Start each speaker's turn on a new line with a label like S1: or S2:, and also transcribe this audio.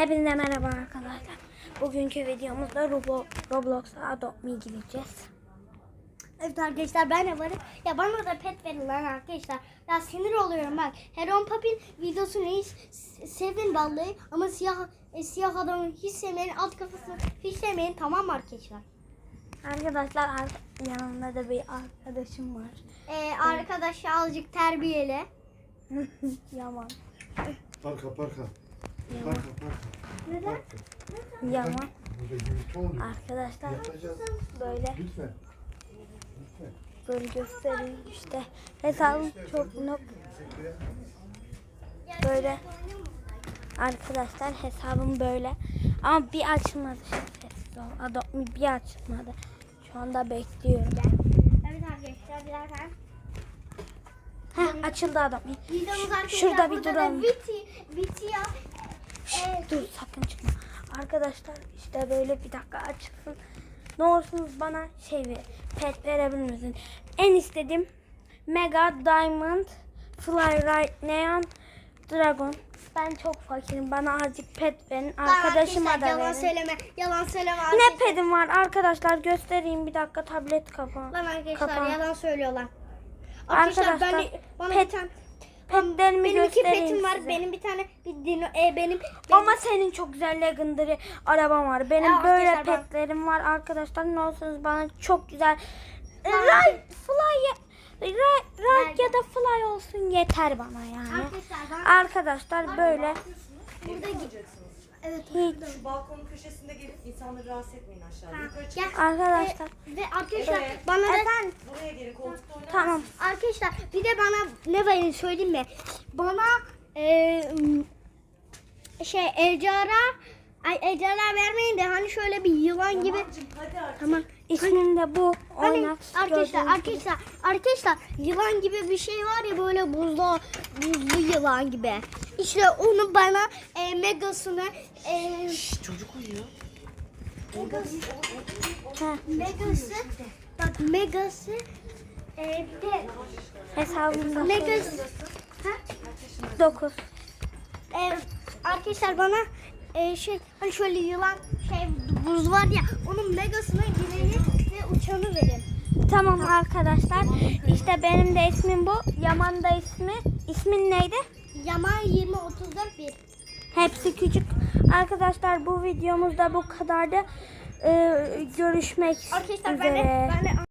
S1: Hepinize merhaba arkadaşlar. Bugünkü videomuzda Roblox'a Adopt Me gireceğiz.
S2: Evet arkadaşlar, ben de varım. Ya bana da pet verin lan arkadaşlar. Ya sinir oluyorum bak. Heron Papi'nin videosunu hiç sevin vallahi. Ama siyah adamı hiç sevmeyin. Alt kafasını hiç sevmeyin, tamam mı arkadaşlar?
S1: Arkadaşlar yanımda da bir arkadaşım var.
S2: Arkadaş azıcık terbiyeli.
S1: Yaman.
S3: Parka.
S2: Neden?
S1: Yaman.
S3: Burada gürültü oluyor.
S1: Arkadaşlar
S3: Yapacağız.
S1: böyle
S3: Lütfen.
S1: böyle göstereyim işte. Hesabım çok böyle. Arkadaşlar hesabım böyle. Ama bir açılmadı. Sessiz ol. Adopt Me bir açılmadı. Şu anda bekliyorum.
S2: Evet arkadaşlar, birazdan.
S1: Açıldı Adopt Me.
S2: Videomuz arkadaşlar.
S1: Şurada bir
S2: burada
S1: duralım.
S2: da Viti'ya.
S1: Dur sakın çıkma. Arkadaşlar işte böyle bir dakika açılsın. Ne olursunuz bana pet verebilir misin? En istediğim Mega Diamond Fly Right Neon Dragon. Ben çok fakirim. Bana azıcık pet verin. Arkadaşıma da
S2: yalan
S1: verin.
S2: söyleme. Yalan söyleme.
S1: Ne
S2: arkadaşlar.
S1: pedim var arkadaşlar, göstereyim bir dakika, tablet kapağı.
S2: Lan arkadaşlar
S1: Kapağı.
S2: yalan söylüyorlar.
S1: Arkadaşlar,
S2: bana
S1: pet-
S2: bir tane
S1: Petlerimi
S2: benim iki
S1: göstereyim
S2: petim var.
S1: size.
S2: Benim bir tane benim
S1: Ama senin çok güzel legendary araban var. Benim
S2: Ya
S1: böyle
S2: arkadaşlar
S1: petlerim var arkadaşlar. Ne olsunuz bana çok güzel. Ride ya da fly olsun yeter bana yani. Arkadaşlar böyle
S2: burada evet.
S1: hiç
S4: Balkonun köşesinde gelip insanları rahatsız etmeyin aşağıya. Yukarı çıkın.
S2: Gel.
S1: arkadaşlar.
S2: Ve arkadaşlar
S4: Evet.
S2: bana da
S4: Buraya gelin, koltukta oynayın.
S1: Tamam.
S2: arkadaşlar bir de bana ne verin söyleyeyim mi? Bana ejderha vermeyin de hani şöyle bir yılan gibi.
S4: Tamamcığım, hadi artık.
S1: Tamam. İsmim de bu.
S2: Hani
S1: Oynat.
S2: arkadaşlar yılan gibi bir şey var ya, böyle buzlu yılan gibi. İşte onu bana megasını
S4: Çocuk uyuyor.
S2: megası bir de
S1: Hesabımda
S2: megası
S1: 9.
S2: arkadaşlar bana hani şöyle yılan buz var ya, onun megasına gireni ve uçanı verin.
S1: Tamam arkadaşlar. İşte benim de ismim bu. Yaman da ismi. İsmin neydi?
S2: Yaman 2034 1.
S1: Hepsi küçük. Arkadaşlar bu videomuz da bu kadardı. Görüşmek
S2: Arkadaşlar
S1: üzere.
S2: ben de